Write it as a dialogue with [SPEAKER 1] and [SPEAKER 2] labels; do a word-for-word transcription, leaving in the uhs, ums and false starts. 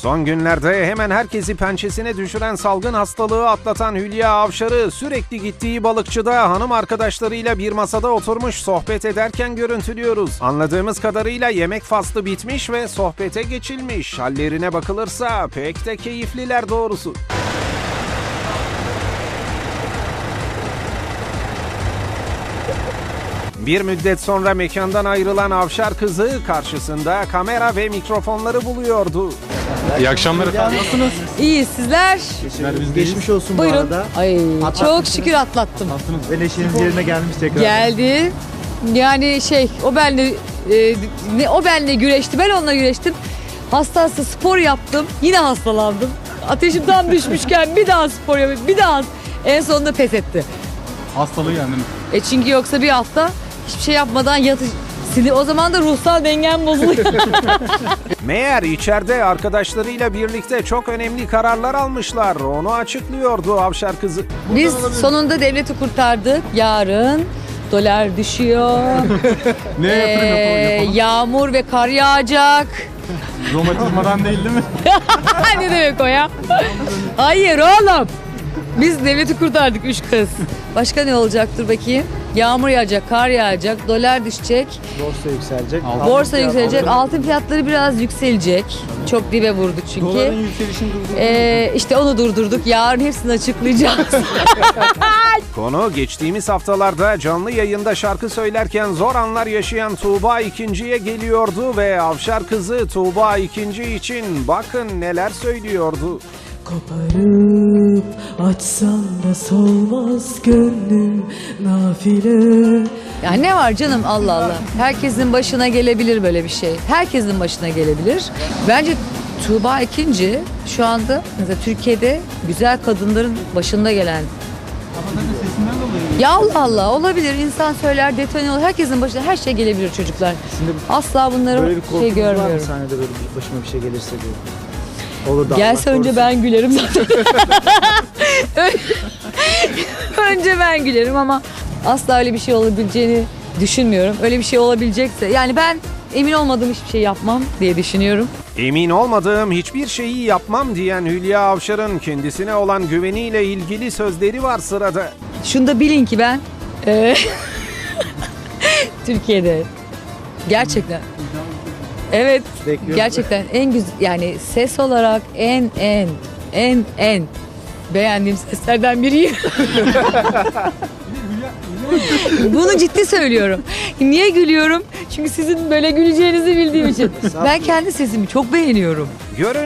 [SPEAKER 1] Son günlerde hemen herkesi pençesine düşüren salgın hastalığı atlatan Hülya Avşar'ı sürekli gittiği balıkçıda hanım arkadaşlarıyla bir masada oturmuş sohbet ederken görüntülüyoruz. Anladığımız kadarıyla yemek faslı bitmiş ve sohbete geçilmiş. Hallerine bakılırsa pek de keyifliler doğrusu. Bir müddet sonra mekandan ayrılan Avşar kızı karşısında kamera ve mikrofonları buluyordu.
[SPEAKER 2] İyi akşamlar efendim.
[SPEAKER 3] Nasılsınız?
[SPEAKER 4] İyi sizler?
[SPEAKER 3] Geçmiş olsun
[SPEAKER 4] Buyurun.
[SPEAKER 3] bu arada.
[SPEAKER 4] Ay
[SPEAKER 3] Atlattınız.
[SPEAKER 4] çok şükür atlattım.
[SPEAKER 3] Ve neşeniz yerine gelmiş tekrar.
[SPEAKER 4] Geldi. Yani şey o benle e, ne o benle güreşti. Ben onunla güreştim. Hasta hasta spor yaptım. Yine hastalandım. Ateşim tam düşmüşken bir daha spor yapıp bir daha en sonunda pes etti.
[SPEAKER 2] Hastalığı yendiniz.
[SPEAKER 4] E çünkü yoksa bir hafta hiçbir şey yapmadan yatış. Sinir- O zaman da ruhsal dengem bozuluyor.
[SPEAKER 1] Meğer içeride arkadaşlarıyla birlikte çok önemli kararlar almışlar. Onu açıklıyordu Avşar kızı.
[SPEAKER 4] Biz sonunda devleti kurtardık. Yarın dolar düşüyor.
[SPEAKER 2] Ne yatırım yapalım,
[SPEAKER 4] Ee,
[SPEAKER 2] yapalım?
[SPEAKER 4] yağmur ve kar yağacak.
[SPEAKER 2] Romatizmadan değil değil mi?
[SPEAKER 4] Ne demek o ya? Hayır oğlum. Biz devleti kurtardık üç kız. Başka ne olacaktır bakayım? Yağmur yağacak, kar yağacak, dolar düşecek,
[SPEAKER 3] Borsa yükselecek.
[SPEAKER 2] Altın
[SPEAKER 4] borsa yükselecek, altın fiyatları biraz yükselecek. Çok dibe vurdu çünkü.
[SPEAKER 3] Doların yükselişini durdurduk.
[SPEAKER 4] Ee, işte onu durdurduk. Yarın hepsini açıklayacağız.
[SPEAKER 1] Konu geçtiğimiz haftalarda canlı yayında şarkı söylerken zor anlar yaşayan Tuğba İkinci'ye geliyordu ve Avşar kızı Tuğba İkinci için bakın neler söylüyordu.
[SPEAKER 5] Koparıp açsam da solmaz gönlüm nafile.
[SPEAKER 4] Ya ne var canım Allah Allah. Herkesin başına gelebilir böyle bir şey. Herkesin başına gelebilir. Bence Tuğba ikinci şu anda mesela Türkiye'de güzel kadınların başında gelen. Ya Allah Allah olabilir. İnsan söyler, detone olur. Herkesin başına her şey gelebilir çocuklar.
[SPEAKER 3] Şimdi
[SPEAKER 4] Asla bunları
[SPEAKER 3] böyle bir
[SPEAKER 4] şey
[SPEAKER 3] korkunuz var mı
[SPEAKER 4] görmüyorum.
[SPEAKER 3] sahnede böyle bir başıma bir şey gelirse diye? Olur da
[SPEAKER 4] Gelse
[SPEAKER 3] Allah
[SPEAKER 4] önce
[SPEAKER 3] korusun.
[SPEAKER 4] ben gülerim zaten. Önce ben gülerim ama asla öyle bir şey olabileceğini düşünmüyorum. Öyle bir şey olabilecekse yani ben emin olmadığım hiçbir şey yapmam diye düşünüyorum.
[SPEAKER 1] Emin olmadığım hiçbir şeyi yapmam diyen Hülya Avşar'ın kendisine olan güveniyle ilgili sözleri var sırada.
[SPEAKER 4] Şunu da bilin ki ben eee, Türkiye'de gerçekten evet
[SPEAKER 3] Bekliyorum.
[SPEAKER 4] gerçekten en güzel yani ses olarak en en en en beğendiğim seslerden biriyim. Bunu ciddi söylüyorum. Niye gülüyorum? Çünkü sizin böyle güleceğinizi bildiğim için. Ben kendi sesimi çok beğeniyorum.
[SPEAKER 1] Görün